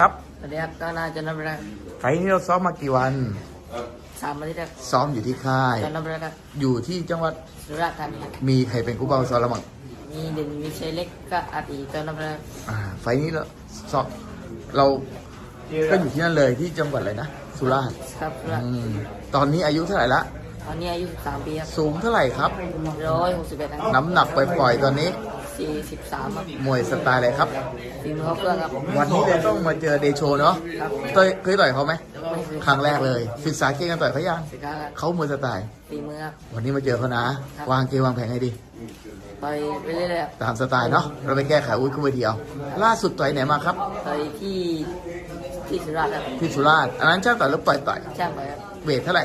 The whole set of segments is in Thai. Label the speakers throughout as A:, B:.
A: ครับ
B: สวัสดีครับก็น่าจะนับได้
A: ไฟล์นี้เราซ้อมมากี่วัน
B: 3 อาทิตย์ครับ
A: ซ้อมอยู่ที่ค่าย
B: จะนับได้ครับ
A: อยู่ที่จังหวัด
B: สุราษฎร์ธานีครับ
A: มีใครเป็นคู่เป้าซ้อมแล้วมั้ง
B: มีเด่นมีชัยเล็กก็อาตีจะนับได้
A: ไฟล์นี้เราซ้อมเราก็อยู่ที่นั่นเลยที่จังหวัดอะไรนะสุราษฎร์
B: ครับสุราษฎร์
A: ตอนนี้อายุเท่าไหร่ละ
B: ตอนนี้อายุ13 ปีครับ
A: สูงเท่าไหร่ครับ
B: 161ครับ
A: น้ำหนักปล่อยๆตอนนี้
B: 43ครับ
A: มวยสไตล์อะไรครับ
B: ฝีมือเขาเพื่อนครับ
A: วันนี้เลยต้องมาเจอเดโชเนาะเคยต่อยเขาไหมครั้งแรกเลยศึกษาเก่งกันต่อยเขายังเขามวยสไตล์
B: ฝีมือครับ
A: วันนี้มาเจอเขานะวางเกมวางแผนให้ดี
B: ต่อยไปเรื่อย
A: ๆตามสไตล์เนาะเราไปแก้ไขอุ้ยขึ้นไปเดียวล่าสุดต่อยไหนมาครับ
B: ต่อยที่สุราษฎร์ครับ
A: ที่สุราษฎร์อันนั้นช่างต่อยหรือปล่อยต่อย
B: ช่างต่อยครับ
A: เวทเท่าไหร่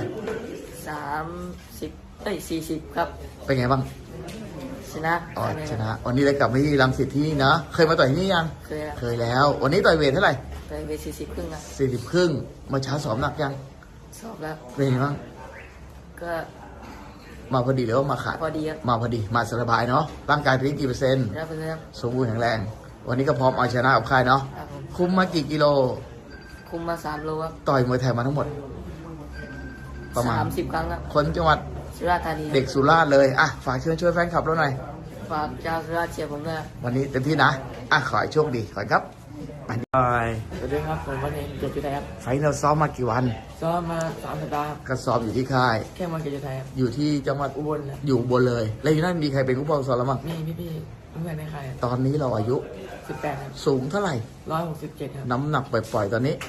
B: 40ครับ
A: เป็นไงบ้าง
B: ชนะ
A: ชนะวันนี้เลยกลับมาที่รังสิตที่นี่นะเคยมาต่อยที่นี่ยังเคยแล้ววันนี้ต่อยเวทเท่าไหร่
B: ต่อยเวท40 ครึ่งครับ
A: 40 ครึ่งมาช้าสอบหนักยัง
B: สอบแล้ว
A: เป็นไงบ้าง
B: ก็
A: มาพอดีหรือว่ามาขาด
B: พอดีครับ
A: มาพอดีมาสบายเนาะร่างกายเป็นกี่เปอร์เซ็นต์สมบูรณ์แข็งแรงวันนี้ก็พร้อมเอาชนะกับค่ายเนาะคุมมากี่กิโล
B: คุมมา3 โลครับ
A: ต่อยมวยไทยมาทั้งหมดประมาณ
B: 30 ครั้งครับ
A: คนจังหวัด
B: สุราษฎร์ธานี
A: เด็กสุราษฎร์เลยฝากเชิญช่วยแฟนคลับเราหน่อย
B: ฝากชาวสุราษฎร์เชียร์ผมด้วย
A: วันนี้เต็มที่นะขอให้โชคดีขอครับ
B: สวัสดีครับผมวันนี้เกียรติจุไทยครับ
A: ไฟเราซ้อมมากี่วัน
B: ซ้อมมา3 สัปดาห์
A: ก็ซ้อมอยู่ที่ค่าย
B: แค่มาเกียรติจุไทย
A: อยู่ที่จังหวัด
B: อุบล
A: อยู่อุบลเลยแล้วอยู่นั่นมีใครเป็นผู้ปกครองซ้อมแล้วมั้ง
B: มีพี่เพื่อนในค่าย
A: ตอนนี้เราอายุ
B: 18ครับ
A: สูงเท่าไหร่
B: 167ครับ
A: น้ำหนักปล่อยๆตอนนี้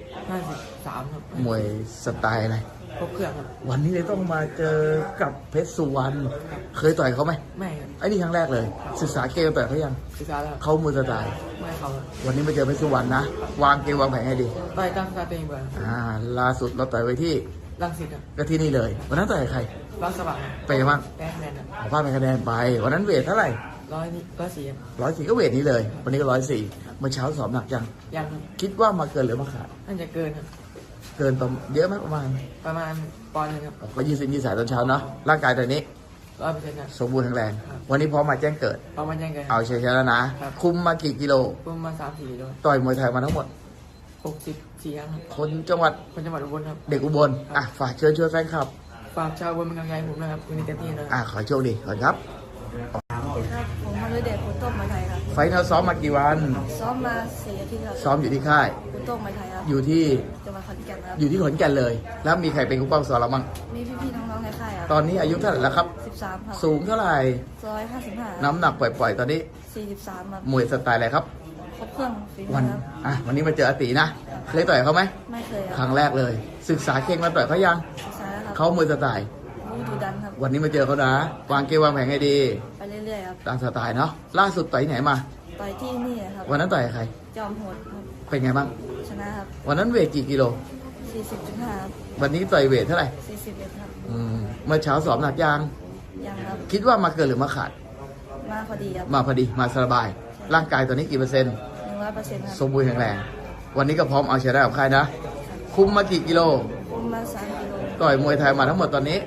B: 53ครับ
A: มวยสไตล์อะไร
B: ครบเครื่องครับ
A: วันนี้เลยต้องมาเจอกับเพชรสุวรรณเคยต่อยเขาไหม
B: ไม่ครับ
A: ไอ้นี่ครั้งแรกเลยศึกษาเกมต่อยเขายัง
B: ศึกษาแล้ว
A: เขามือสไตล์
B: ไม่เขา
A: วันนี้มาเจอเพชรสุวรรณนะวางเกมวางแผนให้ดี
B: ต่อยตั้งสติเบอร์
A: ล่าสุดเราต่อยไว้ที่
B: รังสิตครับ
A: ก็ที่นี่เลยวันนั้นต่อยใคร
B: รังสว่าง
A: ไปบ้าง
B: แพ้คะแนน
A: พลาดไปคะแนนไปวันนั้นเวทเท่าไหร่104ก็เวทนี้เลยวันนี้ก็104เมื่อเช้าสอบหนักยังคิดว่ามาเกินหรือมาขาด
B: น่าจะเกินครับ
A: เกินประมาณเยอะไหมประมาณ
B: ปอนด์นึงครับ
A: ก็ยืดสายตอนเช้าเนาะร่างกายตอนนี้
B: 100%ครับ
A: สมบูรณ์แข็งแรงวันนี้พร้อมมาแจ้งเกิดเอาชัยชนะนะคุมมากี่กิโล
B: คุมมา3-4 กิโล
A: ต่อยมวยไทยมาทั้งหมด
B: 64 ครั้ง
A: คนจังหวัด
B: อุบลครับ
A: เด็กอุบลฝากเชิญช่วยแฟนคลับ
B: ฝากชาวอุบลเป็นกำลังใจผมนะครับวันนี้เต็มที่นะ
A: ขอโชคดีก่อนครับ
C: ผมมาเลยเด็กคุณโต้งมาไทยครับ
A: ไฟเราซ้อมมากี่วัน
C: ซ้อมมา4 อาทิตย์ครับ
A: ซ้อมอยู่ที่ค่าย
C: คุณโต้งมาไทยครับ
A: อยู่ที่
C: จังหวัดขอนแก่นครับ
A: อยู่ที่ขอนแก่นเลยแล้วมีใครเป็นคู่เป้าซ้อมเราบ้าง
C: มีพี่ๆน้องๆในค่ายครับ
A: ตอนนี้อายุเท่าไหร่แล้วครับ
C: 13ครับ
A: สูงเท่าไหร่
C: 155
A: น้ำหนักปล่อยๆตอนนี้
C: 43ครับ
A: มวยสไตล์อะไรครับ
C: ครบเครื่องฝีมือครับ
A: วันนี้มาเจออาตีนะเคยต่อยเขาไหม
C: ไม่เคย
A: ครั้งแรกเลยศึกษาเก่งมาต่อยเขายัง
C: ศึกษาแล้วครับ
A: เขามวยสไตล์
C: ดูดันครับ
A: วันนี้มาเจอเขานะวางเกมวางแผนให้ดี
C: ไปเรื่อยๆครับ
A: ตามสไตล์เนาะล่าสุดต่อยไหนมา
C: ต่อยที่นี่ครับ
A: วันนั้นต่อยใคร
C: จอมโหดครับ
A: เป็นไงบ้าง
C: ชนะครับ
A: วันนั้นเวทกี่กิโล
C: 40.5ครับ
A: วันนี้ต่อยเวทเท่าไหร่
C: 41ครับ
A: เมื่อเช้าสอบหนักยัง
C: ครับ
A: คิดว่ามาเกินหรือมาขาด
C: มาพอดีครับ
A: มาพอดีมาสบายร่างกายตอนนี้กี่เปอร์เซ็นต์
C: 100%ครับ
A: สมบูรณ์แข็งแรงวันนี้ก็พร้อมเอาชนะกับใครนะคุมมากี่กิโล
C: คุมมา3 กิโล
A: ต่อยมวยไทยมาทั้งหมดตอนนี้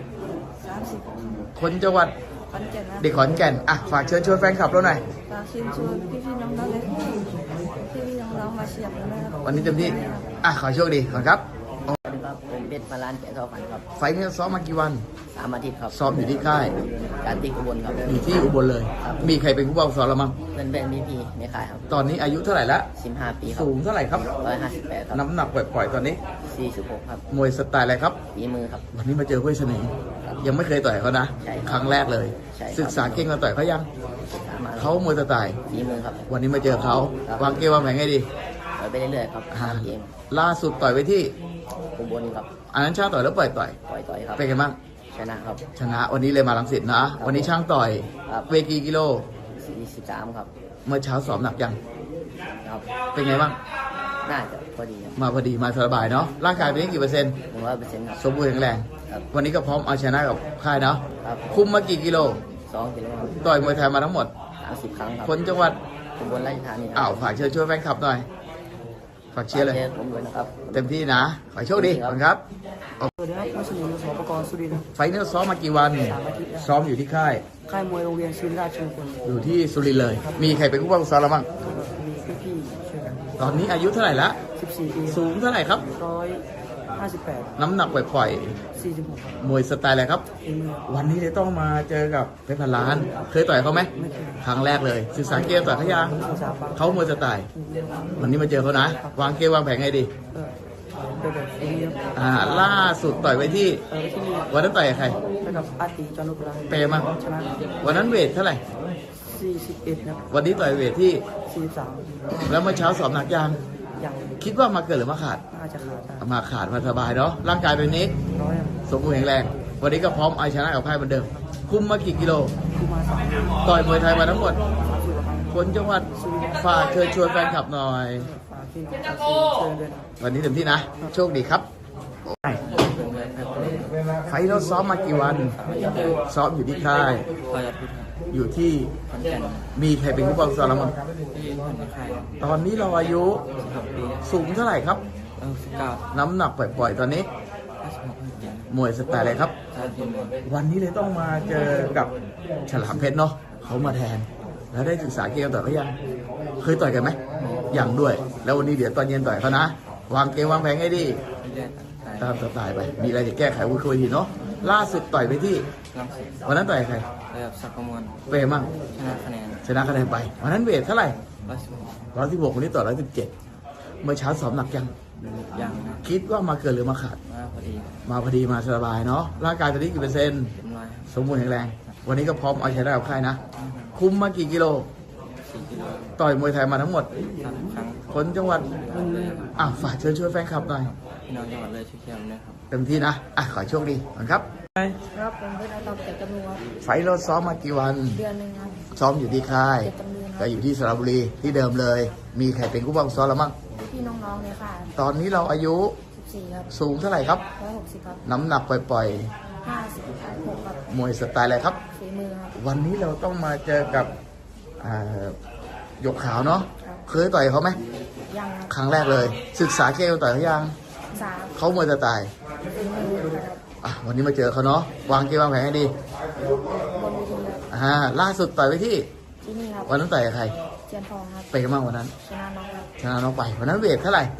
C: 30
A: คนจังหวัด
C: ขอนแก่น
A: เด็กขอนแก่นฝากเชิญชวนแฟนคลับเราหน่อย
C: ฝากเชิญชวนพี่ๆน้องๆเลยพี่ๆน้องๆมาเชียร์ผมนะครับ
A: วันนี้เต็มที่ขอโชคดีก่อนครับ
B: สวัสดีครับผมเพชรพลานแก่ทอฝันครับ
A: ไฟนี้ซ้อมมากี่วัน
B: 3 อาทิตย์ครับ
A: ซ้อมอยู่ที่ค่าย
B: การตีอุบลครับ
A: อยู่ที่อุบลเลยมีใครเป็นผู้บังคับซ้อมเรามั้ง
B: เป็นพี่ในค่ายครับ
A: ตอนนี้อายุเท่าไหร่ละ
B: 15 ปีครับ
A: สูงเท่าไหร่ครับ
B: 158ครับ
A: น้ำหนักปล่อยๆตอนนี้
B: 46ครับ
A: มวยสไตล์อะไรครับ
B: ฝีมือครับ
A: วันนี้มาเจอห้วยเสน่ห์ยังไม่เคยต่อยเขานะครั้งแรกเลยศึกษาเก่งมาต่อยเขายังเขามวยสไตล์
B: ฝีมือครับ
A: วันนี้มาเจอเขาวางเกมวางแผนให้ดี
B: ต่อยไปเรื่อยๆครับเกม
A: ล่าสุดต่อยไปที่
B: อุบลครับ
A: อันนั้นช่างต่อยแล้วปล่อย
B: ครับ
A: เป็นไงบ้าง
B: ชนะครับ
A: ชนะวันนี้เลยมาลังสิตนะวันนี้ช่างต่อยเวทีกิโล
B: 43ครับ
A: เมื่อเช้าสอบหนักยัง
B: ครับ
A: เป็นไงบ้าง
B: น่าจะพอดี
A: มาพอดีมาสบายเนาะร่างกายเป็นกี่เปอร์เซ็นต์
B: 100%ครับ
A: สมบูรณ์แข็งแรงวันนี้ก็พร้อมเอาชนะกับค่ายเนาะคุมมากี่กิโล
B: 2 กิโล
A: ต่อยมวยไทยมาทั้งหมด
B: 30 ครั้งครับ
A: คนจังหวัด
B: อุบลราชธานี
A: ฝากเชิญช่วยแฟนคลับหน่อยฝากเชียร์เลย
B: ผมด้วยนะครับ
A: เต็มที่นะขอโชคดีขอบคุณครับ
B: สวัสดีครับมัสยิดสปกรสุรินทร์
A: ไฟนี้ซ้อมมากี่วันซ้อมอยู่ที่ค่าย
B: มวยโรงเรียนศิริราชชุมพล
A: อยู่ที่สุรินทร์เลยมีใครเป็นผู้บังคับซ้อมเราบ้าง
B: มีพี่ๆช่วยกัน
A: ตอนนี้อายุเท่าไหร่ละ
B: 14 ปี
A: สูงเท่าไหร่ครับ
B: 158
A: น้ำหนักปล่อย
B: 46ครับ
A: ๆมวยสไตล์อะไรครับ
B: ฝีมือ
A: วันนี้เลยต้องมาเจอกับเพชรพันล้าน เคยต่อยเขาไหม
B: ไม่เคย
A: ครั้งแรกเลย ศึกษาเกมต่อยเขายัง
B: ศึกษาบ้าง
A: เขามวยสไตล์ วันนี้มาเจอเขานะ วางเกมวางแผนไงดี
B: ก็เป็นแบบฝีมือครับ
A: ล่าสุดต่อยไปที่
B: ที่นี่
A: วันนั้นต่อยกับใคร
B: ไปกับอาติจานุกรา
A: เปย์มั้ง
B: ชนะ
A: วันนั้นเวทเท่าไหร่
B: 41ครับ
A: วันนี้ต่อยเวทที่
B: 43
A: แล้วเมื่อเช้าสอบหนักยัง
B: อย่าง
A: คิดว่ามาเกินหรือมาขาด
B: น่าจะขาดได้
A: มาขาดมาสบายเนาะ ร่างกายเป็นนี้
B: ร้อยครับ
A: สมบูรณ์แข็งแรง วันนี้ก็พร้อมเอาชนะกับพ่ายเหมือนเดิม คุมมากี่กิโล
B: คู่มา3
A: ต่อยมวยไทยมาทั้งหมด
B: 30กว่าครั้ง
A: คนจังหวัดฝากเชิญชวนแฟนคลับหน่อย
B: ฝากพี่น้องชาวเชิญด้วยนะ
A: วันนี้เต็มที่นะ โชคดีครับ ไฟท์เราซ้อมมากี่วัน ซ้อมอยู่ที่ค่าย
B: พอยัดพุทธ
A: อยู่ที่
B: ขอนแก่น
A: มีใครเป็นผู้ปกครองเรามั้ง
B: ที่ผ่อนไข่
A: ตอนนี้เราอายุ
B: 16 ปี
A: สูงเท่าไหร่ครับ
B: 19
A: น้ำหนักปล่อยๆ ตอนนี้
B: 56 ปี
A: มวยสไตล์อะไรครับ
B: ชาติทีม
A: วันนี้เลยต้องมาเจอกับฉลามเพชรเนาะเขามาแทน แล้วได้ศึกษาเกมต่อยเขายัง เคยต่อยกันไหมยังด้วย แล้ววันนี้เดี๋ยวตอนเย็นต่อยเขานะ วางเกมวางแผนให้ดี
B: เรียน
A: ตามสไตล์ไป มีอะไรจะแก้ไขวุ้ยคุยทีเนาะ ล่าสุดต่อยไปที่
B: ลังสิต
A: วันนั้นต่อยกับใคร
B: ระดับสักกมล
A: เปย์มั่ง
B: ชนะคะแนน
A: ชนะคะแนนไป วันนั้นเวทเท่าไหร่
B: 116
A: 116วันนี้ต่อ117เมื่อเช้าสอบหนักยัง
B: ยังนะ
A: คิดว่ามาเกินหรือมาขาด
B: มาพอดี
A: มาพอดีมาสบายเนาะ ร่างกายตอนนี้กี่เปอร์เซ็นต์
B: เต็มร้อย
A: สมบูรณ์แข็งแรง วันนี้ก็พร้อมเอาชนะกับค่ายนะ คุมมากี่กิโล
B: 4 กิโล
A: ต่อยมวยไทยมาทั้งหมด
B: 30 ครั้ง
A: คนจังหวัด
B: รุ่นนี้
A: ฝากเชิญชวนแฟนคลับหน่อย
B: พี่น้องจังหวัดเลยช่วยเชียร์นะครับ
A: เต็มที่นะ ขอโชคดีก่อนครับ
C: ครับผมเป็นอาตอมเจ็ดจำนวนครับ
A: ไฟท์เราซ้อมมากี่วัน
C: เดือนหนึ่งครับ
A: ซ้อมอยู่ที่ค่าย
C: เจ็ดจำนวนค
A: ก็
C: รับ
A: อยู่ที่สระบุรีที่เดิมเลย มีใครเป็นผู้บังซ้อมแล้วมั้ง
C: พี่น้องๆเนี่ยค่ะ
A: ตอนนี้เราอายุ
C: 14ครับ
A: สูงเท่าไหร่ครับ
C: 160ครับ
A: น้ำหนักปล่อย
C: 56ครับ
A: ๆ มวยสไตล์อะไรครับ
C: ฝีมือครับ
A: วันนี้เราต้องมาเจอกับหยกขาวเนาะ
C: ครับ
A: เคยต่อยเขาไหม
C: ยังครับ
A: ครั้งแรกเลย ศึกษาเกมต่อยเขายัง
C: สาม
A: เขามวยสไตล์
C: ฝีมือครับ
A: วันนี้มาเจอเขาเนาะ วางเกมวางแผนให้ดี
C: บนเวทีครับ
A: ล่าสุดต่อยไปที่
C: ที่นี่ครับ
A: วันนั้นต่อยกับใคร
C: เจียนทองครับ
A: ไปกันบ้างวันนั้น
C: ชนะน้องครับ
A: ชนะน้องไป วันนั้นเวทเท่าไหร่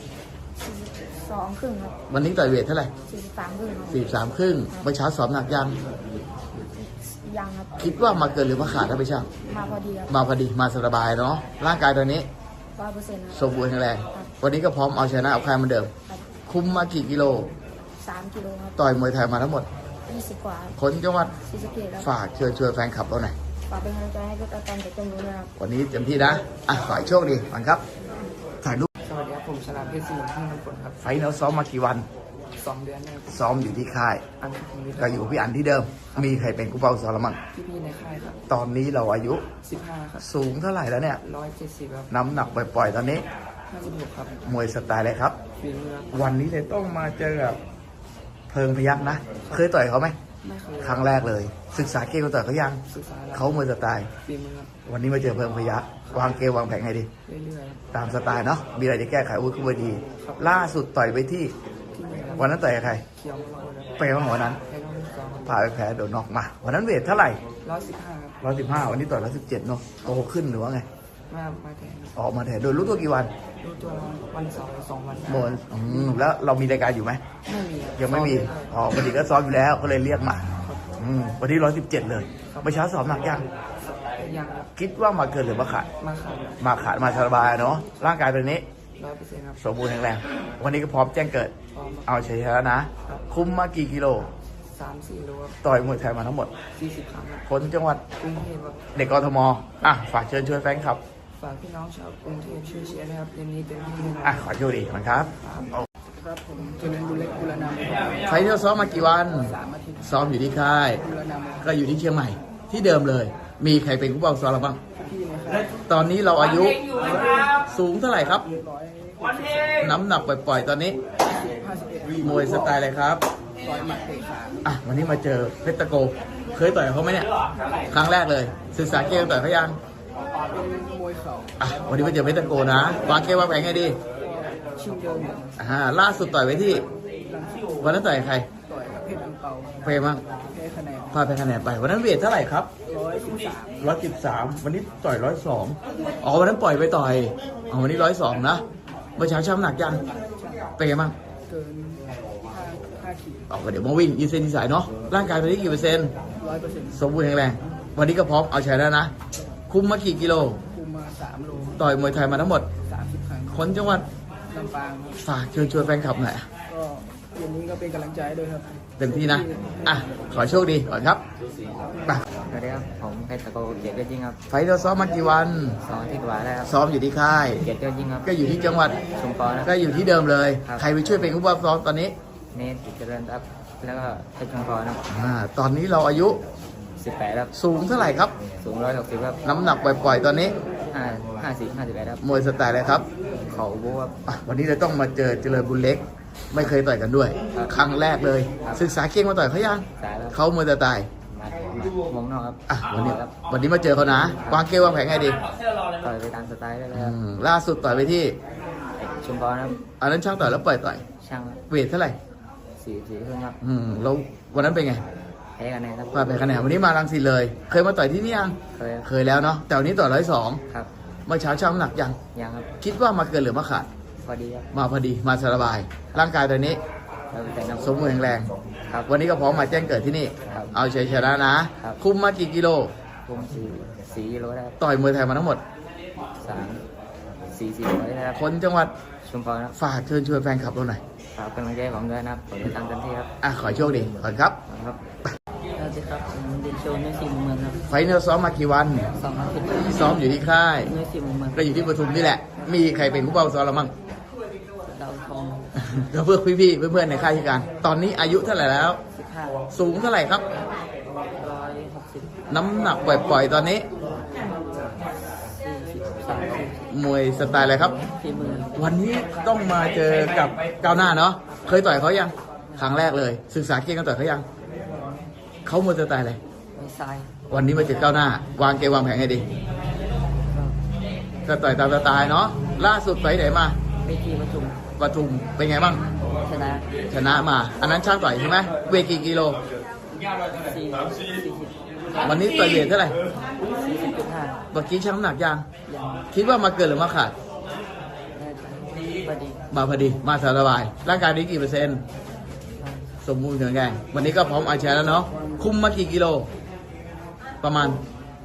C: 42ครึ่งครับ
A: วันนี้ต่อยเวทเท่าไหร่
C: 43ครึ่งครับ
A: 43ครึ่งเมื่อเช้าสอบหนักยัง
C: ยังครับ
A: คิดว่ามาเกินหรือมาขาดถ้าไม่ช่าง
C: มาพอดีครับ
A: มาพอดีมาสบายเนาะ ร่างกายตอนนี้
C: 100%ครับ
A: สมบูรณ์แข็งแรง วันนี้ก็พร้อมเอาชนะเอาใครเหมือนเดิม
C: ครับ
A: คุมมากี่กิโล
C: 3กิโลครับ
A: ต่อยมวยไทยมาทั้งหมด
C: 20กว่าครับ
A: คนจังหวัด
C: ศรีสะเกษครับ
A: ฝากเชิญชวนแฟนคลับเราหน่อย
C: ฝากเป็นกำลังใจให้กับอาตอมเจ็ดจำนวนด้วยครับ
A: วันนี้เต็มที่นะ ขอให้โชคดีก่อนครับ ถ่ายรูป
B: สวัสดีครับผมชนะเพชรศรีที่มันผลครับ
A: ไฟท์เราซ้อมมากี่วัน
B: 2 เดือนนะครับ
A: ซ้อมอยู่ที่ค่าย
B: อันที่ผม
A: ก็อยู่พี่อันที่เดิม มีใครเป็นกูเป้าซ้อมแล้วมั่ง
B: พี่ในค่ายครับ
A: ตอนนี้เราอายุ
B: 15 ครับ
A: สูงเท่าไหร่แล้วเนี่ย
B: 170 ครับ
A: น้ำหนักปล่อยๆ ตอนนี้
B: 56 ครับ
A: มวยสไตล์อะไรครับ
B: ฝีมือครับ
A: วันนี้เลยต้องมาเจอกับเพิงพยักนะ เคยต่อยเขาไหม
B: ไม่เคย
A: ครั้งแรกเลย ศึกษาเกมต่อยเขายัง
B: ศึกษาแล้ว
A: เขามวยสไตล์
B: ฝีมือครับ
A: วันนี้มาเจอเพิงพยักวางเกมวางแผนไงดี
B: เรื่อยๆครับ
A: ตามสไตล์เนาะ มีอะไรจะแก้ไขวุ้ยขึ้นเวทีล่าสุดต่อยไปที่
B: ที่นี่ครับ
A: วันนั้นต่อยกับใคร
B: เขียวมาเลยครับ
A: ไปบ้างวันนั้น
B: ให้น้องสอง
A: พาไปแพ้โดนน็อกมา วันนั้นเวทเท่าไหร่
B: 115 ครับ
A: 115 วันนี้ต่อย117เนาะ โตขึ้นหรือว่าไง
B: มาแทน
A: ออกมาแทนโดยรู้ตัวกี่วัน
B: รู้ตัววันเสาร์2 วัน
A: โมนแล้วเรามีรายการอยู่ไหม
B: ไม่มีครับ
A: ยังไม่มี ปกติก็ซ้อมอยู่แล้ว ก็เลยเรียกมาวันนี้117เลยเมื่อเช้าสอบหนักยัง
B: ยังครับ
A: คิดว่ามาเกินหรือมาขาด
B: มาขาด
A: มาขาดมาสบายเนาะ ร่างกายเป็นนี้
B: 100%ครับ
A: สมบูรณ์แข็งแรง วันนี้ก็พร้อมแจ้งเกิด
B: พร้อม
A: เอาชัยชนะนะ คุมมากี่กิโล
B: 3-4 โลครับ
A: ต่อยมวยไทยมาทั้งหมด
B: 40 ครั้งครับ
A: คนจังหวัด
B: กรุงเทพครับ
A: เด็กกทม ฝากเชิญชวนแฟนคลับ
B: ฝากพี่น้องชาวกรุงเทพช่วยเชียร์นะครับเกมนี้เต็มที่แน่นอน
A: ขอโชคดีก่อนครับ
B: ครับผมจุนันบุเล็กบุรณาม
A: ไฟท์ที่เราซ้อมมากี่วัน
B: 3 อาทิตย์
A: ซ้อมอยู่ที่ค่าย
B: บุรณาม
A: ก็อยู่ที่เชียงใหม่ ที่เดิมเลย มีใครเป็นผู้บังคับซ้อมเราบ้าง
B: พี่นะครับ
A: ตอนนี้เราอายุสูงเท่าไหร่ครับ
B: 151
A: น้ำหนักปล่อยๆ ตอนนี้
B: 51
A: มวยสไตล์อะไรครับ
B: ต่อยหมัดเตะขา
A: วันนี้มาเจอเพชรตะโก เคยต่อยกับเขาไหมเนี่ย ครั้งแรกเลย ศึกษาเกมต่อยเขายัง
B: เป็นมวยเข่า
A: วันนี้มาเจอเพชรตะโกนะ วางเกมวางแผนไงดี
B: ชิงเดิม
A: ล่าสุดต่อยไปที่
B: ลังสิโอ
A: วันนั้นต่อยกับใคร
B: ต่อยกับเพชรอังเปา
A: เฟย์มั้ง
B: แพ้คะแนน
A: พาไปคะแนนไป วันนั้นเวทเท่าไหร่ครับ
B: 113
A: 113 วันนี้ต่อย102วันนั้นปล่อยไปต่อยวันนี้102นะเมื่อเช้าช่ำหนักยังเป็นไงบ้าง
B: เกิน5 ขีด
A: ออกก็เดี๋ยวมาวิ่งยืดเส้นยืดสายเนาะร่างกายตอนนี้กี่เปอร์เซ็นต์
B: 100%
A: สมบูรณ์แข็งแรงวันนี้ก็พร้อมเอาชัยแล้วนะคุมมากี่กิโล
B: คุมมา3 โล
A: ต่อยมวยไทยมาทั้งหมด
B: 30 ครั้ง
A: คนจังหวัด
B: ลำปางครับ
A: ฝากเชิญชวนแฟนคลับหน่อย
B: ก็เย็นนี้ก็เป็นกำลังใจให้ด้วยครับ
A: เต็มที่นะอ่ะขอโชคดีก่อนครับไป
D: สวัสดีครับผมเพชรตะโกเกียรติยอดยิ่งครับ
A: ไฟท์เราซ้อมมากี่วัน
D: 2 อาทิตย์กว่าแล้วครับ
A: ซ้อมอยู่ที่ค่าย
D: เกียรติยอดยิ่งครับ
A: ก็อยู่ที่จังหวัด
D: ชุมพรนะค
A: ก็
D: รับ
A: อยู่ที่เดิมเลย
D: ครับ
A: ใครไปช่วยเป็นผู้บังซ้อมตอนนี้
D: เนทกิจเจริญครับแล้วก็เพชรชุมพรนะครับ
A: ตอนนี้เราอายุ
D: 18ครับ
A: สูงเท่าไหร่ครับ
D: สูง160ครับ
A: น้ำหนักปล่อยๆตอนนี้
D: 51ครับ
A: มวยสไตล์อะไรครับ
D: เขาบูครับ
A: วันนี้เราต้องมาเจอเจริญบุญเล็ก ไม่เคยต่อยกันด้วย
D: ครับ
A: ครั้งแรกเลย
D: ครับ
A: ศึกษาเก่งมาต่อยเขายัง
D: สายแล้ว
A: เขามวยสไตล์
D: มองนอกครับ
A: วันนี้มาเจอเขานะวางเกมวางแผนไงดี
D: ต่อยไปตามสไตล์ได้เลยครับ
A: ล่าสุดต่อยไปที่
D: ชุมพรครับ
A: อันนั้นช่างต่อยแล้วปล่อยต่อย
D: ช่างครับ
A: เวทเท่าไหร่
D: 4 ครึ่งครับ
A: แล้ววันนั้นเป็นไง
D: แพ้กันแน่ครับ
A: พลาดไปคะแนนวันนี้มารังสิตเลย เคยมาต่อยที่นี่ยัง
D: เคยครับ
A: เคยแล้วเนาะแต่วันนี้ต่อย102
D: ครับ
A: เมื่อเช้าช่างน้ำหนักยัง
D: ยังครับ
A: คิดว่ามาเกินหรือมาขาด
D: พอดีครับ
A: มาพอดีมาสบาย ร่างกายตอนนี้
D: แล้วแต่น้ำ
A: สมบูรณ์แข็งแรง
D: ครับ
A: วันนี้ก็พร้อมมาแจ้งเกิดที่นี่
D: ครับ
A: เอาชัยชนะนะ
D: ครับ
A: คุมมากี่กิโล
D: คุม4 กิโลได้ครับ
A: ต่อยมวยไทยมาทั้งหมด
D: 4 ร้อยนะครับ
A: คนจังหวัด
D: ชุมพรครับ
A: ฝากเชิญชวนแฟนคลับเราหน่อย
D: ฝากเป็นกำลังใจให้ผมด้วยนะครับผมจะทำเต็มที่ครับ
A: ขอให้โชคดีก่อนครับ
D: ครับ
B: สวัสดีครับผมเดนโชใน4 มุมเมืองครับ
A: ไฟเนอร์ซ้อมมากี่วัน
B: 2 อาทิตย์
A: ซ้อมอยู่ที่ค่าย
B: ใน4 มุมเมือง
A: ก็อยู่ที่ปทุมนี่แหละ มีใครเป็นผู้เป้าซ้อมเรามั่ง
B: ดาวทอง
A: ก็เพื่อพี่ๆเพื่อนๆในค่ายที่การ ตอนนี้อายุเท่าไหร่แล้ว
B: 15
A: สูงเท่าไหร่ครับ
B: 160
A: น้ำหนักปล่อยๆตอนนี้
B: 43
A: มวยสไตล์อะไรครับ
B: 4 มือ
A: วันนี้ต้องมาเจอกับก้าวหน้าเนาะ เคยต่อยเขายัง ครั้งแรกเลย ศึกษาเก่งกันต่อยเขายัง เขามวยสไตล์อะไร
B: ไม่ทราย
A: วันนี้มาเจอก้าวหน้า วางเกมวางแผนให้ดี ก็ต่อยตามสไตล์เนาะ ล่าสุดไปไหนมา
B: เวทีประชุม
A: ปทุมเป็นไงบ้าง
B: ชนะ
A: ชนะมา อันนั้นช่างต่อยใช่ไหมเวทกี่กิโล
B: 40
A: วันนี้ต่อยเวทเท่าไหร่
B: 40.5
A: เมื่อกี้ช่างน้ำหนักยัง
B: ยัง
A: คิดว่ามาเกินหรือมาขาด
B: แน่ใจพอดี
A: มาพอดี มาสบาย ร่างกายนี้กี่เปอร์เซ็นต์ สมบูรณ์แข็งแรงวันนี้ก็พร้อมเอาแชร์แล้วเนาะ คุมมากี่กิโล ประมาณ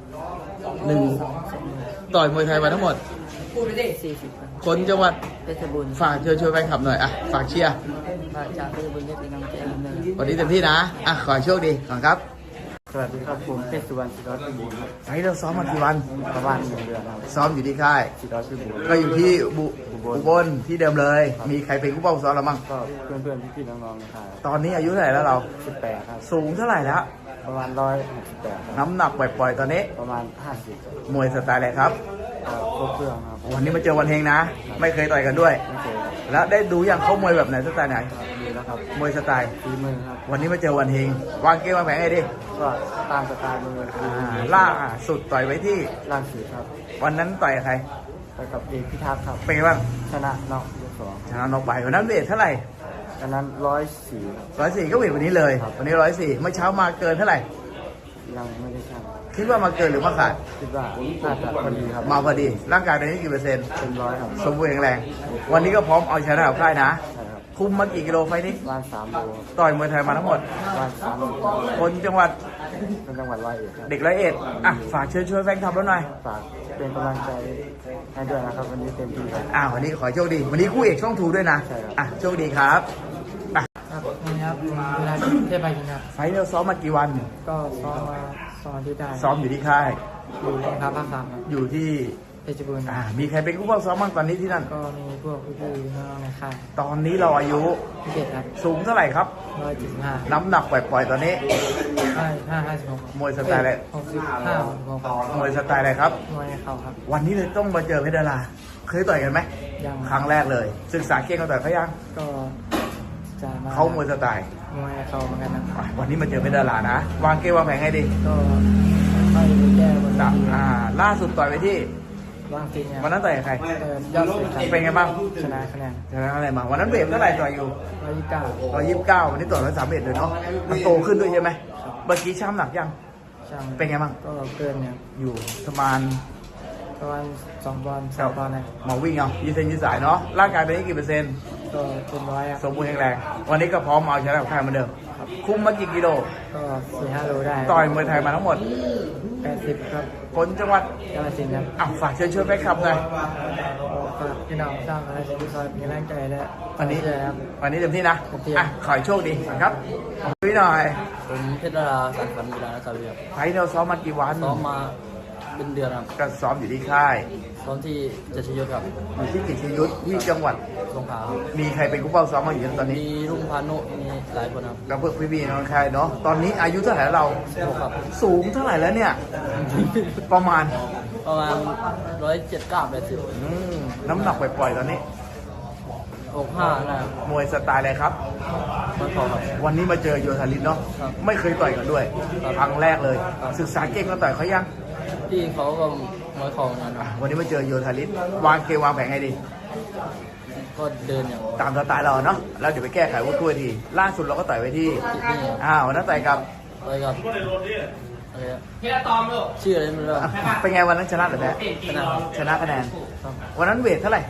A: ต่อยมวยไทยมาทั้งหมด
B: 40 ครับ
A: คนจังหวัด
B: เพชรบุญ
A: ฝากเชิญชวนแฟนคลับหน่อยฝากเชียร์
B: ฝากจากเพชรบุญได้เป็นกำลังใจให้ผมด้วย
A: วันนี้เต็มที่นะขอให้โชคดีก่อนครับ
D: สวัสดีครับผมเพชรสุวรรณศิริวัฒน์พิบูลครับ
A: ไฟเราซ้อมมากี่วัน
D: ประมาณ1 เดือนครับ
A: ซ้อมอยู่ที่ค่าย
D: ศิริวัฒน์พิบูล
A: ก็อยู่ที่อุบลที่เดิมเลย มีใครเป็นผู้เป้าซ้อมเราบ้าง
D: ก็เพื่อนๆพี่ๆน้องๆนะครับ
A: ตอนนี้อายุเท่าไหร่แล้วเรา
D: 18 ครับ
A: สูงเท่าไหร่แล้ว
D: ประมาณ168ครับ
A: น้ำหนักปล่อยๆตอนนี้
D: ประมาณ50ครับ
A: มวยสไตล์อะไรครับ
D: ครบเครื่องครับ
A: วันนี้มาเจอวันเฮงนะ ไม่เคยต่อยกันด้วย
D: ไม่เคยครับ
A: แล้วได้ดูอย่างเขามวยแบบไหนสไตล์ไหน
D: ดีแล้วครับ
A: มวยสไตล์
D: ฝีมือครับ
A: วันนี้มาเจอวันเฮงวางเกมวางแผนไงดิ
D: ก็ตามสไตล์มือคือ
A: ล่าสุดต่อยไว้ที่
D: ล่างสีครับ
A: วันนั้นต่อยกับใคร
D: ไปกับเอกพิทักษ์ครับ
A: เป็นไงบ้าง
D: ชนะน็อกยก
A: ชนะน็อกไปวันนั้นเวทเท่าไหร่
D: 2อันนั้น104
A: 104ก็เวทวันนี้เลย
D: ครับ
A: วันนี้104เมื่อเช้ามาเกินเท่าไหร่
D: ยังไม่ได้ชั่ง
A: คิดว่ามาเกินหรือมาขาด
D: คิดว่าน่าจะพอดีครับ
A: มาพอดี ร่างกายตอนนี้กี่เปอร์เซ็นต์
D: เป็น100ครับ
A: สมบูรณ์แข็งแรง วันนี้ก็พร้อมเอาชนะกับค่ายนะ
D: ใช่ครับ
A: คุมมากี่กิโลไฟล์นี้
D: บ้าน3 โล
A: ต่อยมวยไทยมาทั้งหมด
D: บ้าน3 โล
A: คนจังหวัด
D: เป็นจังหวัดร้อยเอ็ดครับ
A: เด็ก101ฝากเชิญชวนแฟนคลับเราหน่อย
D: ฝากเป็นกำลังใจให้ด้วยนะครับ วันนี้เต็มที่ครับ
A: วันนี้ขอให้โชคดี วันนี้คู่เอกช่องทูด้วยนะ
D: ใช่ครับ
A: โชคดีครับ
B: ครับนี่ครับเวลาเทพไปยิงครับ
A: ไฟล์เราซ้อมมากี่วัน
B: ก็ซ้อมมา2 อาทิตย์ได้
A: ซ้อมอยู่ที่ค่าย
B: อยู่ในครับภาค3ครับ
A: อยู่ที่
B: เพชรบุญ
A: มีใครเป็นผู้เฝ้าซ้อมบ้างตอนนี้ที่นั่น
B: ก็มีพวกพี่ๆน้องๆในค่าย
A: ตอนนี้เราอายุ
B: พิเศษครับ
A: สูงเท่าไหร่ครับ
B: 175
A: น้ำหนักปล่อยๆตอนนี้
B: 56
A: มวยสไตล์อะไร
B: 65
A: มวยสไตล์อะไรครับ
B: มวยเข่าครับ
A: วันนี้เลยต้องมาเจอเพชรดารา เคยต่อยกันไหม
B: ยัง
A: ครั้งแรกเลย ศึกษาเก่งกันต่อยเขายัง
B: ก็จะมา
A: เขามวยสไตล์
B: มวยเข่าเหมือนกันนะครับ
A: วันนี้มาเจอเพชรดารานะ วางเกมวางแผนให้ดี
B: ก็ค่อยไปแก้บนเวที
A: ล่าสุดต่อยไปที่
B: บางทีเนี่ย
A: วันนั้นต่อยกับใคร
B: ยอดสุดครับ
A: เป็นไงบ้าง
B: ชนะคะแนน
A: ชนะอะไรมา วันนั้นเวทเท่าไหร่ต่อยอยู่
B: 129
A: 129 วันนี้ต่อย131เลยเนาะ มันโตขึ้นด้วยใช่ไหมเมื่อกี้ช้ำหนักยัง
B: ช่าง
A: เป็นไงบ้าง
B: ก็เกินเนี่ย
A: อยู่ประมาณ
D: ประมาณ2 ปอนด์3 ปอนด์นะ
A: มาวิ่งเอายืดเส้นยืดสายเนาะร่างกายตอนนี้กี่เปอร์เซ็นต์
D: ก็เป็น100ครับ
A: สมบูรณ์แข็งแรงวันนี้ก็พร้อมเอาชนะกับใครเหมือนเดิมคุมมากี่กิโล
D: ก็4-5 โลได้
A: ต่อยมวยไทยมาทั้งหมด
D: 80ครับ
A: คนจังหวัด
D: กาฬสินธุ์ครับ
A: ฝากเชิญชวนแฟนคลับหน่อย
D: ฝากพี่น้องสร้างอะไรสิ่งที่คอยมีแรงใจและ
A: วันนี้
D: เชื่อครับ
A: วันนี้เต็มที่นะ
D: เต็มที่
A: ขอให้โชคดีครับพี่หน่อย
B: ผมเพชรดาราสันฝันกีฬาและสาวเรียบ
A: ไฟท์เราซ้อมมากี่วัน
B: ซ้อมมาเป็นเดือนครับ
A: ก็ซ้อมอยู่ที่ค่าย
B: ซ้อมที่จัชยุทธครับ
A: อยู่ที่กิจยุทธที่จังหวัด
B: สงขลาครับ
A: มีใครเป็นผู้เฝ้าซ้อมมาอยู่ตอนนี้
B: มีรุ่งพานุมีหลายคนครับ
A: กับเพื่อนพี่ๆน้องค่ายเนาะตอนนี้อายุเท่าไหร่แล้วเรา
B: พวกครับ
A: สูงเท่าไหร่แล้วเนี่ย ประมาณ
B: ประมาณ179-80
A: น้ำหนักปล่อยๆตอนนี้
B: 65นะครับ
A: มวยสไตล์อะไรครับ
B: มันพอครับ
A: วันนี้มาเจอโยธาลินเนาะ
B: ครับ
A: ไม่เคยต่อยกันด้วย
B: ครับ
A: ครั้งแรกเลย
B: ครับ
A: ศึกษาเก่งก็ต่อยเขายัง
B: พี่เขาก็มวยคองกันครับ
A: วันนี้มาเจอโยธาลินวางเกมวางแผนไงดี
B: ก็เดินอย่าง
A: ตามสไตล์เราเนาะแล้วเดี๋ยวไปแก้ไขวุ้นถ้วยทีล่าสุดเราก็ต่อยไปที่
B: ที่นี่ครับ
A: วันนั้นต่อยกับ
B: อะไรครับอะไรครับชื่ออะไรไม่รู้ครับ
A: เป็นไงวันนั้นชนะหรือแพ้
B: ชนะครับ
A: ชนะคะแนน
B: ครับ
A: วันนั้นเวทเท่าไหร่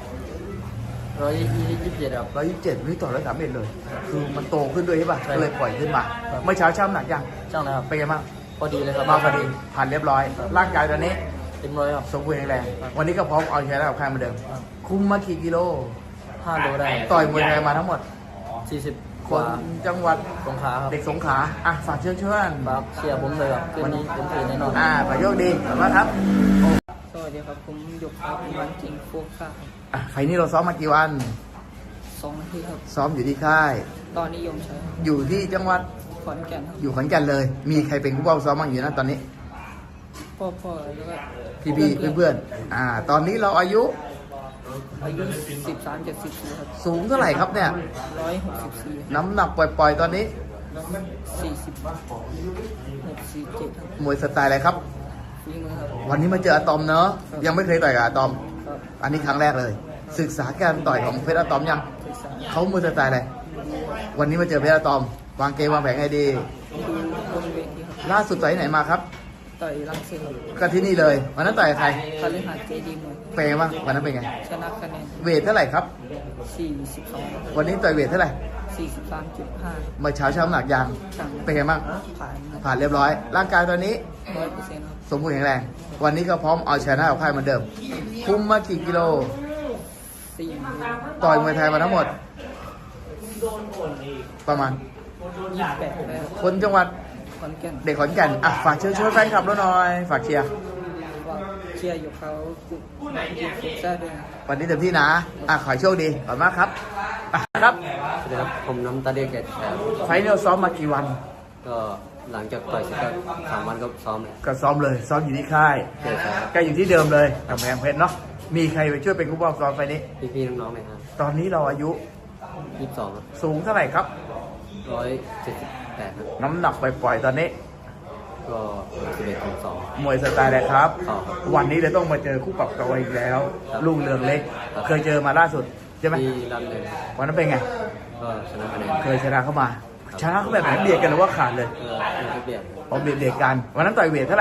B: 127ครับ
A: 127วันนี้ต่อ131เลย คือมันโตขึ้นด้วยใช่ป่ะ
B: ใช่
A: ก็เลยปล่อยขึ้นมา
B: ครับ
A: เมื่อเช้าช่างน้ำหนักยัง
B: ช่างนะครับ
A: เป็นไงบ้าง
B: พอดีเลยครับ
A: มาพอดีผ่านเรียบร้อย ร่างกายตอนนี้
B: เต็มร้อยครับ
A: สมบูรณ์แข็งแรง วันนี้ก็พร้อมเอาชนะกับใครเหมือนเดิม
B: ครับ
A: คุมมากี่กิโล
B: 5 โลได้
A: ต่อยมวยไทยมาทั้งหมด
B: 40
A: ค
B: กว่าน
A: จังหวัด
B: สงขลาครับ
A: เด็กสงขลาฝากเชิญชวน
B: ฝากเชียร์ผมเลยครับคืนนี้ผมตื่นแน่นอน
A: ขอโชคดีขอบคุณมากครับ
D: สวัสดีครับผมหยกครับวันจริงโฟก้า
A: ไฟล์นี้เราซ้อมมากี่วัน
D: 2 นาทีครับ
A: ซ้อมอยู่ที่ค่าย
D: ตอนนิยมใช้
A: อยู่ที่จังหวัด
D: ขอนแก่นครับ
A: อยู่ขอนแก่นเลย มีใครเป็นผู้เฝ้าซ้อมบ้างอยู่นะตอนนี้
D: พ่อแล้วก็
A: พี่เพื่อนตอนนี้เราอายุ
D: อายุ13-14ครับ
A: สูงเท่าไหร่ครับเนี่ย
D: 164
A: น้ำหนักปล่อยๆ ตอนนี้
D: 46-47ครับ
A: มวยสไตล์อะไรครับ
D: ฝีมือครับ
A: วันนี้มาเจออะตอมเนอะยังไม่เคยต่อยกับอะตอม
D: ครับ
A: อันนี้ครั้งแรกเลย ศึกษาการต่อยของเพชรอะตอมยัง
D: ศึกษา
A: เขามวยสไตล์อะไร วันนี้มาเจอเพชรอะตอม วางเกมวางแผนไงดี
D: ดูบนเวทีครับ
A: ล่าสุดต่อยที่ไหนมาครับ
D: ต่อยรังสิตครับ
A: ก็ที่นี่เลยวันนั้นต่อยกับใคร
D: คาลิหาเจดีมวย
A: เป็นไงบ้างวันนั้นเป็นไง
D: ชนะคะแนน
A: เวทเท่าไหร่ครับ
D: 42
A: วันนี้ต่อยเวทเท่าไหร่
D: 43.5
A: เมื่อเช้าน้ำหนักยาง
D: ช่าง
A: เป็นไงบ้าง
D: ผ่านครับ
A: ผ่านเรียบร้อย ร่างกายตอนนี้
D: 100%ครับ
A: สมบูรณ์แข็งแรง วันนี้ก็พร้อมเอาชนะกับใครเหมือนเดิม คุมมากี่กิโล
D: 4
A: ต่อยมวยไทยมาทั้งหมด ประมาณ
D: 28แล้ว
A: คนจังหวัด
D: ขอนแก่น
A: เด็กขอนแก่นฝากเชิญชวนแฟนคลับด้วยหน่อย ฝากเชียร์
D: ว่าเชียร์อยู่เขากลุ่มทีมฟุตซอลด้วยนะ
A: วันนี้เต็มที่นะขอให้โชคดีขอบคุณมากครับครับ
B: สวัสดีครับผมน้ำตาเดียกแกแชร์
A: ไฟล์นี้เราซ้อมมากี่วัน
B: ก็หลังจากต่อยเสร็จก็3 วันก็ซ้อมเลย
A: ก็ซ้อมเลย ซ้อมอยู่ที่ค่าย
B: เจอครับ
A: ก็อยู่ที่เดิมเลยกำแพงเพชรเนาะ มีใครไปช่วยเป็นผู้บอกซ้อมไฟล์นี้
B: พี่ๆน้องๆเลยครับ
A: ตอนนี้เราอายุ
B: 22ครับ
A: สูงเท่าไหร่ครับ
B: 178ครับ
A: น้ำหนักปล่อยๆตอนนี้
B: ก็11-2
A: มวยสไตล์อะไรครับ
B: ครับ
A: วันนี้เลยต้องมาเจอคู่ปรับตัวอีกแล้ว
B: ครับ
A: ลุงเรืองเล็ก
B: ครับ
A: เคยเจอมาล่าสุดใช่ไหม
B: ที่รันเลย
A: วันนั้นเป็นไง
B: ก็ชนะคะแนน
A: เคยชนะเข้ามา ชนะเขาแบบไหนเบียดกันหรือว่าขาดเลย
B: ไม่เปลี่ยน
A: เอาเบียดกัน วันนั้นต่อยเวทเท่าไหร่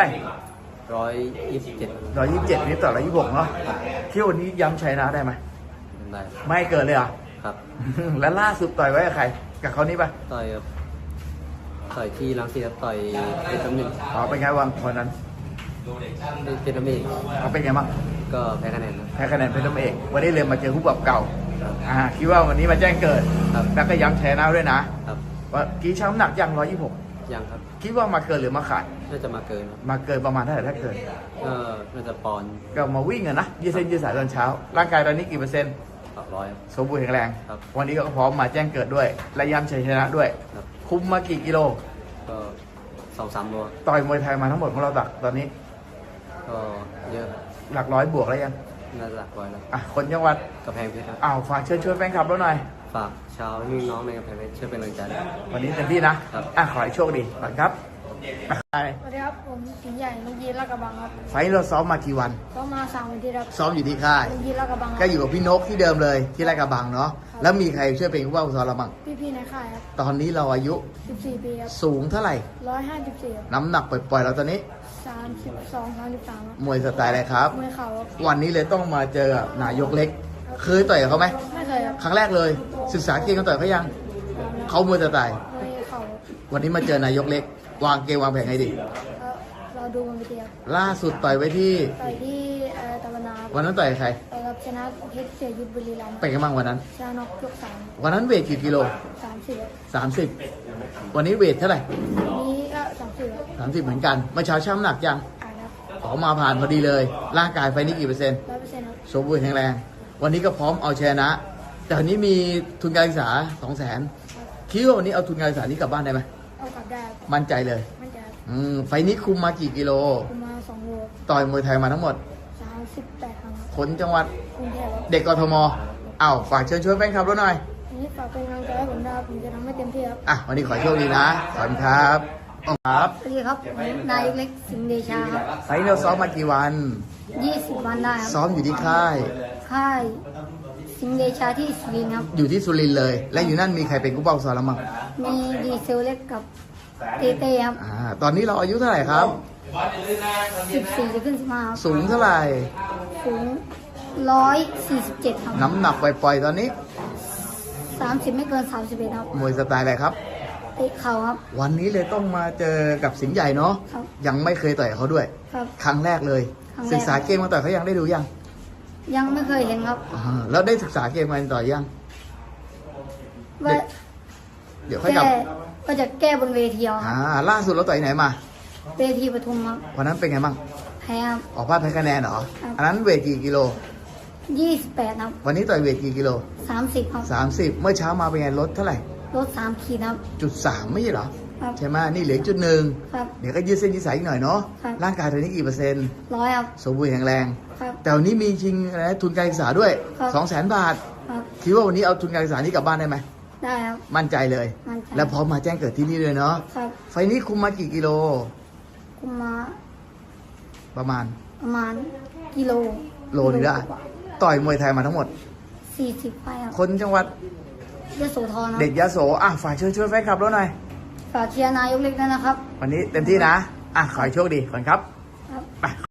B: 127
A: 127นี่ต่อ126เนาะเที่ยววันนี้ย้ำชัยนะได้ไหม
B: ได้
A: ไม่ให้เกิดเลยเหรอ
B: ครับ
A: แล้วล่าสุดต่อยไว้กับใคร กับเขานี่ปะ
B: ต่อยที่รังสิตครับต่อยเป็นตำหนึ่ง
A: เป็นไงวันคนนั้น
B: เป็นตำหนึ่ง
A: เป็นไงบ้าง
B: ก็แพ้คะแนนนะ
A: แพ้คะแนนเป็นตัวเอกวันนี้เลยมาเจอคู่ปรับเก่า
B: ครับ
A: คิดว่าวันนี้มาแจ้งเกิด
B: ครับ
A: แล้วก็ย้ำชัยนะด้วยนะครับ ว่ากี้ช้ำหนักยัง126
B: ยังครับ
A: คิดว่ามาเกินหรือมาขาด
B: น่าจะมาเกินครับ
A: มาเกินประมาณเท่าไหร่ถ้าเกิน
B: ก็น่าจะปอนด์
A: ก็มาวิ่งอะนะยืดเส้นยืดสายตอนเช้า ร่างกายตอนนี้กี่เปอร์เซ็นต์
B: 100ครับ
A: สมบูรณ์แข็งแรง
B: ครับ
A: วันนี้ก็พร้อมมาแจ้งเกิดด้วย และย้ำชัยชนะด้วย
B: ครับ
A: คุมมากี่กิโล
B: ก็2-3 โล
A: ต่อยมวยไทยมาทั้งหมดของเราตักตอนนี้
B: ก็เยอะ
A: หลักร้อยบวกแล้วยัง
B: น่าจะหลักร้อยแล้ว
A: คนจังหวัด
B: กระแพงเพชรครับ
A: ฝากเชิญชวนแฟนคลับเราหน่อย
B: ฝากชาวพี่น้องในกระแพงเพชรช่วยเป็นกำลังใจด้วย
A: วันนี้เต็มที่นะครับ ขอให้โชคดีก่อนครับไป
C: สวัสดีครับ ผมสิงห์ใหญ่ลุงยีนลาดกระบังครับ
A: ไฟท์เราซ้อมมากี่วัน
C: ก็มา3 วันที่ครับ
A: ซ้อมอยู่ที่ค่าย
C: ลุงยีนลาดกระบังค
A: ก็
C: รับ
A: อยู่กับพี่นกที่เดิมเลยที่ไร่กระบังเนาะ แล้วมีใครช่วยเป็นผู้ว่าผู้สอนเราบ้าง
C: พี่ๆในค่ายครับ
A: ตอนนี้เราอายุ
C: 14 ปีครับ
A: สูงเท่าไหร่
C: 154ครับ
A: น้ำหนักปล่อยๆเราตอนนี้
C: 32-33
A: มวยสไตล์อะไรครับ
C: มวยเข่าครับ
A: วันนี้เลยต้องมาเจอกับนายกเล็ก เคยต่อยกับเขาไหม
C: ไม่เคยครับ
A: ครั้งแรกเลย ศึกษาเกมกันต่อยเขายัง เขามวยสไตล์
C: มวยเข่า
A: วันนี้มาเจอนายกเล็ก วางเกมวางแผนไงดี
C: แล้วเราดูมันไปเดียว
A: ล่าสุดต่อยไว้ที่
C: ต่อยที่ตะวันนา
A: วันนั้นต่อยกับใคร
C: ต่อยกับชนะเพชรเสียยุทธบุรีรัมย์
A: เป็นกันบ้างวันนั้น
C: ชนะน็อกยก
A: วันนั้นเวทกี่กิโล
C: 3 30
A: วันนี้เวทเท่าไหร่
C: นี้ก็30
A: 30เหมือนกัน เมื่อเช้าช่างน้ำหนักยัง
C: อ่านครับ
A: ขอมาผ่านพอดีเลย ร่างกายไฟนี้กี่เปอร์เซ็นต์
C: 100%ครับ
A: สมบูรณ์แข็งแรง วันนี้ก็พร้อมเอาชนะ แต่วันนี้มีทุนการศึกษา 200,000คิดว่าวันนี้เอาทุนการศึกษานี้กลับบ้านได้ไหม
C: เอากลับได้ครับ
A: มั่นใจเลย
C: มั่นใจครับ
A: ไฟนี้คุมมากี่กิโล
C: คุมมา2 โล
A: ต่อยมวยไทยมาทั้งหมด
C: 38 ครั้งครับ
A: คนจังหวัด
C: กรุงเทพครับ
A: เด็กกทมอ้าวฝากเชิญชวนแฟนคลับเราหน่อย
C: วันนี้ฝากเป็นกำลังใจให้ผมนะครับผมจะทำให้เต็มที่ครับ
A: อ่ะ วันนี้ขอโชคดีนะ ขอบคุณครับครับ
C: สวัสดีครับผมนายเล็กสิงห์เดชาครับ
A: ไฟนี้เราซ้อมมากี่วัน
C: 20 วันได้ครับ
A: ซ้อมอยู่ที่ค่าย
C: ค่ายสิงห์เดชาที่สุรินทร์ครับ
A: อยู่ที่สุรินทร์เลย และอยู่นั่นมีใครเป็นกู้เป้าซ้อมแล้วมั้ง
C: มีดีเซลเล็กกับเตเต้ครับ
A: ตอนนี้เราอายุเท่าไหร่ครับ
C: 14จะขึ้น15ครับ
A: สูงเท่าไหร่
C: สูง147ครับ
A: น้ำหนักปล่อยๆตอนนี้
C: 30 ไม่เกิน31ครับ
A: มวยสไตล์อะไรครับ
C: เตะเข่าครับ
A: วันนี้เลยต้องมาเจอกับสิงห์ใหญ่เนาะ
C: ครับ
A: ยังไม่เคยต่อยกับเขาด้วย
C: ครับ
A: ครั้งแรกเลย
C: ครั้งแรก
A: ศึกษาเกมมาต่อยเขายังได้ดูยัง
C: ยังไม่เคยเห็นครับ
A: แล้วได้ศึกษาเกมมาต่อยยัง
C: ว่า
A: เดี๋ยวค่อยกลับ
C: ก็จะแก้บนเวทีเอาครับ
A: ล่าสุดเราต่อยไหนมา
C: เวทีปทุมครับ
A: วันนั้นเป็นไงบ้าง
C: แพ้ครับ
A: ออกพลาดแพ้คะแนนเหรอ
C: ครับ
A: อันนั้นเวทกี่กิโล
C: 28ครับ
A: วันนี้ต่อยเวทกี่กิโล
C: 30ครับ
A: 30 เมื่อเช้ามาเป็นไงลดเท่าไหร่
C: ลด3 ขีดครับ
A: .3 ไม่ใช่เหรอ
C: ครับ
A: ใช่ไหมนี่เหลือ1.1
C: ครับ
A: เดี๋ยวก็ยืดเส้นยืดสายอีกหน่อยเนาะ
C: ครับ
A: ร่างกายตอนนี้กี่เปอร์เซ็นต์
C: 100ครับ
A: สมบูรณ์แข็งแรง
C: ครับ
A: แต่วันนี้มีชิงอะไรนะทุนการศึกษาด้วย
C: ครับ
A: 200,000 บาท
C: ครับ
A: คิดว่าวันนี้เอาทุนการศึกษานี้กลับบ้านได้ไหม
C: ได้ครับ
A: มั่นใจเลย
C: มั่นใจ
A: แล้วพร้อมมาแจ้งเกิดที่นี่เลยเนาะ
C: ครับ
A: ไฟนี้คุมมากี่กิโล
C: คุมมา
A: ประมาณ
C: ประมาณกิโล
A: โลนึงได้ ต่อยมวยไทยมาทั้งหมด
C: 40ไปครับ
A: คนจังหวัด
C: ยโสธรครับ
A: เด็กยะโสฝากเชิญชวนแฟนคลับเราหน่อย
C: ฝากเชียร์นายกเล็กด้วยนะครับ
A: วันนี้เต็มที่นะ ขอให้โชคดีก่อนครับ
C: ครับ
A: ไป